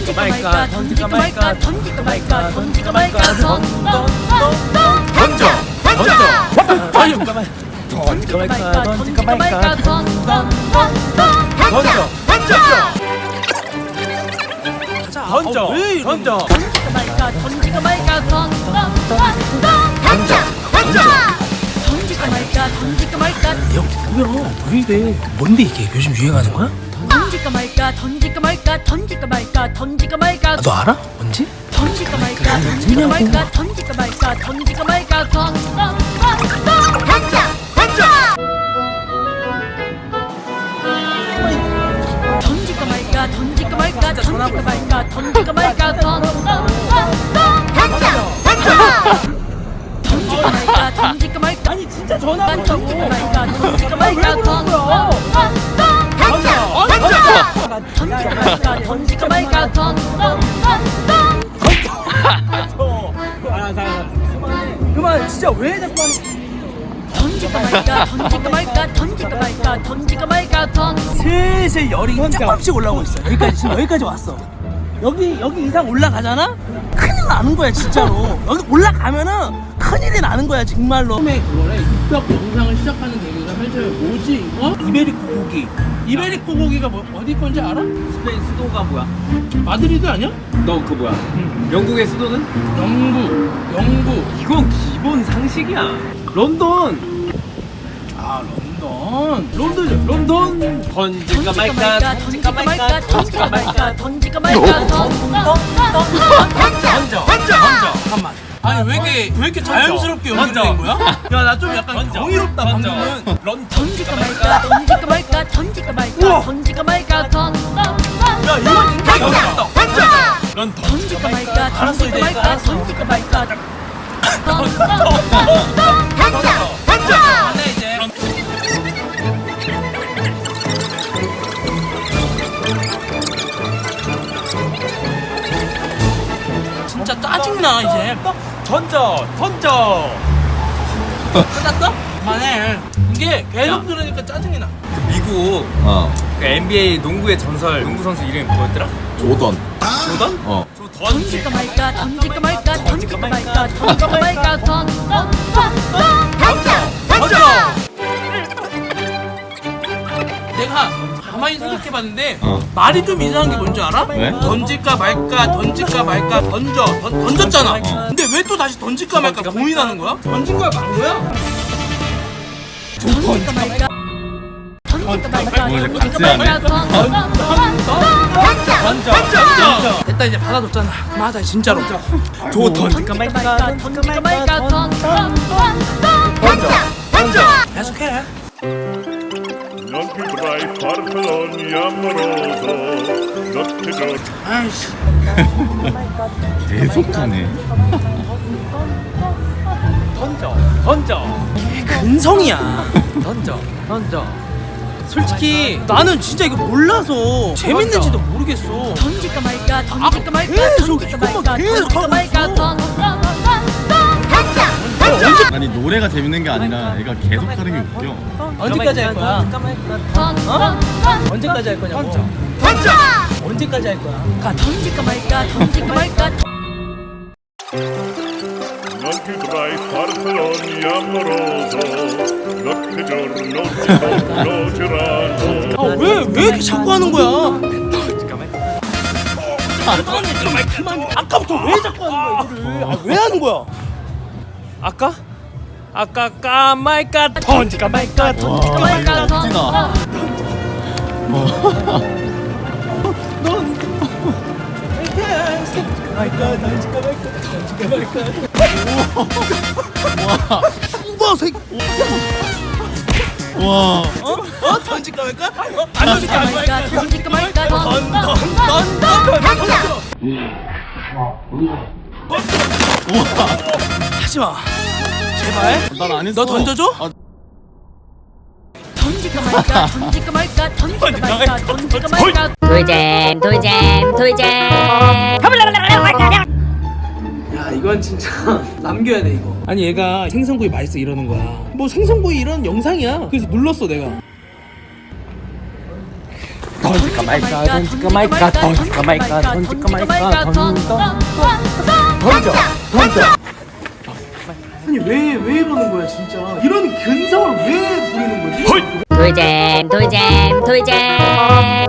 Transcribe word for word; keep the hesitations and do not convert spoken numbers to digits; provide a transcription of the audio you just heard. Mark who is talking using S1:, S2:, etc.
S1: 던질까 말까 던질까 말까 던질까 말까 던질까 말까 던던던던 던져 던져 던질까 말까 던질까 말까 던질까 말까 던던던던 던져 던져 던져 던져 던질까 말까 던질까 말까 던던던던 던져 던져 던질까 말까 던질까 말까
S2: 형 뭐야 왜 이래? 뭔데 이게 요즘 유행하는 거야?
S1: 던질까 말까 던질까 말까 던질까 말까 던질까 말까
S2: 아, 너 알아? 뭔지?
S1: 던질까 말까 던질까 말까 던질까 말까 던질까 말까 던던던던 던져 던져 던질까 말까 던질까 말까 던질까 말까 던질까 말까 던던던던 던져 던져 던질까 말까 던질까 말까
S3: 아니 진짜 전화
S1: 던질까 말까 던질까 말까 던던던던 던져 던져 던질까 말까 던질까 말까 던던던던
S3: 그만 진짜 왜 자꾸 하는
S1: 던질까 말까 던질까 말까 던질까 말까 던질까 말까 던
S3: 슬슬 열이 조금씩 올라오고 있어. 여기까지 지금 여기까지 왔어. 여기 여기 이상 올라가잖아? 큰일 나는 거야 진짜로. 여기 올라가면은 큰일이 나는 거야 정말로.
S2: 처음에 그거래 육벽 영상을 시작하는 계기가 사실 뭐지 이거?
S3: 이베리코 고기.
S2: 이베리코 고기가 뭐, 어디 건지 알아?
S4: 스페인 수도가 뭐야?
S2: 마드리드 아니야?
S4: 너 그 뭐야? 영국의 수도는?
S2: 영국 영국
S4: 이건 기본 상식이야. 런던.
S2: 아 런던
S4: 런던. 런던. 던질까 말까.
S1: 던질까 말까 던질까 말까 던질까 말까 던던던던
S4: 던져. 던져. 던져.
S2: 잠깐만 아니 왜 이렇게 왜 이렇게 자연스럽게 연기를 된 거야? 야 나 좀 약간
S4: 던져.
S2: 경이롭다
S4: 던져.
S2: 방금은.
S4: 런
S1: 던질까 말까 던질까 말까 던질까 말까 던질까 말까 던던던던
S2: 야 이건 인정이 없다.
S4: 던져. 런
S1: 던질까 말까
S2: 알았어,
S1: 던질까
S2: 이제
S1: 말까
S2: 알았어.
S1: 던질까 말까 던던던던 던져 던져
S2: 안돼 이제. 진짜 짜증나 이제.
S4: 던져. 던져.
S2: 끝났어? 그만해. 이게 계속 들으니까 짜증이 나.
S4: 미국
S5: 어
S4: 그 엔비에이 농구의 전설 농구 선수 이름이 뭐였더라?
S5: 조던
S4: 조던?
S5: 어
S4: 조던.
S1: 던질까 말까 던질까 말까 던질까 말까 던질까 말까 던던던던 던져 던져
S2: 내가 가만히 생각해봤는데
S5: 어.
S2: 말이 좀 이상한 게 뭔지 알아?
S5: 왜?
S2: 던질까 말까 던질까 말까 던져 던, 던졌잖아.
S5: 어.
S2: 근데 왜 또 다시 던질까 말까 고민하는 거야? 던진 거야 만 거야?
S1: 던질까 말까 던질까 말까
S5: 뭐 이제
S1: 던질까
S5: 같이
S1: 말까 던던던던
S4: 던져. 던져.
S2: 됐다 이제 받아줬잖아. 그만하자 진짜로.
S4: 조 던질까
S1: 던질까
S4: 말까.
S1: 말까 던질까 말까 던던던던
S4: 던져. 던져.
S2: 계속해.
S6: Non più tra i farfalloni amoroso, notte giorno.
S2: 아이씨.
S5: 계속하네
S4: 던져. 던져.
S3: 근성이야.
S4: 던져. 던져. 솔직히
S3: 나는 진짜 이거 몰라서 재밌는지도 모르겠어.
S1: 던질까 말까 던질까 말까
S3: 계속
S1: 던질까
S3: 이것만
S1: 말까
S3: 계속
S1: 던질까
S3: 하고
S1: 말까
S3: 있어.
S1: 던던던던
S5: 아니 노래가 재밌는 게 아니라 얘가 계속 하는 게 웃겨
S3: 언제까지 할 거야?
S1: 던던던던
S3: 언제까지 할 거냐고.
S1: 던져
S3: 언제까지 할 거야?
S1: 던질까 말까 던질까 말까
S6: Non più tra i farfalloni amoroso, notte giorno giorno girano.
S3: 아 왜 왜 이렇게 자꾸 하는 거야? 그만. 아까부터 왜 자꾸 하는 거야 이거를? 아, 왜 하는 거야?
S4: 아까? 아까 까말까 던질까 말까 던질까
S5: 와
S4: 말까
S5: 찌나
S3: 우와 새끼.
S5: 와
S3: 어? 던질까 말까? 어? 안
S1: 던질까
S3: 던질까
S1: 말까
S3: 말까?
S1: 던질까 말까
S3: 던던던던 하지 마. 제발.
S5: 난 안 했어
S3: 너 던져줘?
S5: 아,
S1: 던질까 말까 던질까 말까 던질까 말까 던질까 말까
S7: 돌잼 돌잼 돌잼
S3: 야 이건 진짜 남겨야 돼 이거. 아니 얘가 생선구이 맛있어 이러는 거야. 뭐 생선구이 이런 영상이야. 그래서 눌렀어 내가.
S4: 던질까 말까 던질까 말까 던질까 말까 던질까 말까 던던 던져 던져
S3: 아니 왜 왜 이러는 거야 진짜 이런 근성을 왜 부리는 거지?
S7: 돌잼 돌잼 돌잼